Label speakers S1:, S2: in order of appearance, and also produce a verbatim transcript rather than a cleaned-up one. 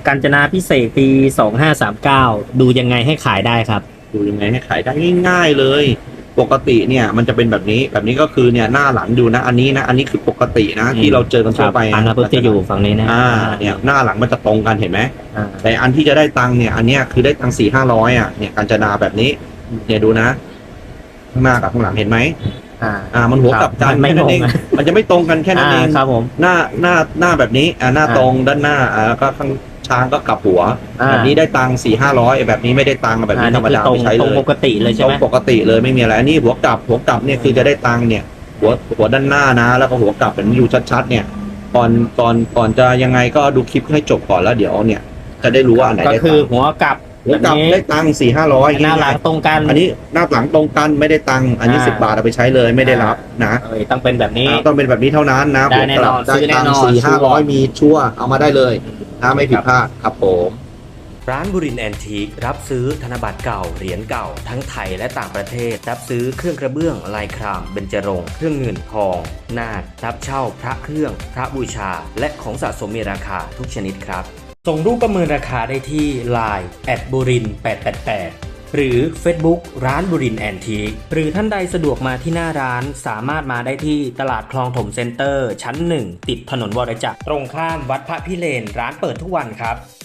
S1: กาญจนาพิเศษกปีสองห้าสามเก้าดูยังไงให้ขายได้ครับ
S2: ดูยังไงให้ขายได้ง่ายๆเลย ปกติเนี่ยมันจะเป็นแบบนี้แบบนี้ก็คือเนี่ยหน้าหลังดูนะอันนี้นะอันนี้คือปกตินะที่เราเจอกันทั่วไป
S1: อันนั้นจะอยู่ฝั่งนี้นะ
S2: อ่าเนี่ยหน้าหลังมันจะตรงกันเห็นไหม
S1: อ่า
S2: แต่อันที่จะได้ตังค์เนี่ยอันเนี้ยคือได้ตังค์สี่ห้าร้อยอ่ะเนี่ยกาญจนาแบบนี้เนี่ยดูนะข้างหน้ากับข้างหลังเห็นไหม
S1: อ่า
S2: อ่ามันหัวกลับกัน
S1: ไม่
S2: แค่
S1: ต
S2: นั้
S1: รง
S2: นเองมันจะไม่ตรงกันแค่นั้นเอง
S1: ครับผม
S2: หน้าหน้าหน้าแบบนี้อ่าหน้าตรงด้านหน้าอ่าแล้วก็ข้างช้างก็กลับหัว
S1: อ่า
S2: แบบนี้ได้ตังค์สี่ห้าร้อยแบบนี้ไม่ได้ตังค์แบบนี้ธรรมดา
S1: ตรง
S2: ไม่ใช้
S1: ต
S2: เล
S1: รง
S2: ย
S1: ปกติเลยใช่
S2: ตร
S1: ไห
S2: ง
S1: ม
S2: ปกติเลยไม่มีอะไรอันนี้หัวกลับหัวกลับเนี่ยคือจะได้ตังค์เนี่ยหัวหัวด้านหน้านะ แล้วก็หัวกลับแบบนี้ดูชัดๆเนี่ยก่อนก่อนก่อนจะยังไงก็ดูคลิปให้จบก่อนแล้วเดี๋ยวเนี่ยจะได้รู้ว่าอันไหน
S1: ก็
S2: ได้
S1: คื
S2: ตั
S1: อง
S2: ค์
S1: หัวกลับ
S2: หัวกลับได้ตังค์สี่ห้าร้อย
S1: หน้าหลังตรงกัน
S2: อันนี้หน้าหลังตรงกันไม่ได้ตังค์อันนี้
S1: อ่า
S2: สิบบาทเอาไปใช้เลยไม่ได้รับนะ
S1: เอ้ยต้องเป็นแบบนี้
S2: อ่าต้องเป็นแบบนี้เท่านั้นนะ
S1: ได้แน่นอน
S2: ได้
S1: ซื้อแน่
S2: ตัง
S1: นอน
S2: ค์สี่ห้า
S1: ชัว
S2: ร้อย
S1: ร์
S2: มีชัวร์เอามาได้เลยนะไม่ผิดพลาดครับผม
S3: ร้านบุรินทร์แอนทีครับซื้อธนบัตรเก่าเหรียญเก่าทั้งไทยและต่างประเทศรับซื้อเครื่องกระเบื้องลายครามเบญจรงค์เครื่องเงินทองนาครับเช่าพระเครื่องพระบูชา และของสะสมมีราคาทุกชนิดครับส่งรูปประเมินราคาได้ที่ ไลน์ แอท บุรินทร์แปดแปดแปด หรือ Facebook ร้านบุรินทร์แอนทีหรือท่านใดสะดวกมาที่หน้าร้านสามารถมาได้ที่ตลาดคลองถมเซ็นเตอร์ชั้นหนึ่งติดถนนวรจักรตรงข้ามวัดพระพิเรนร้านเปิดทุกวันครับ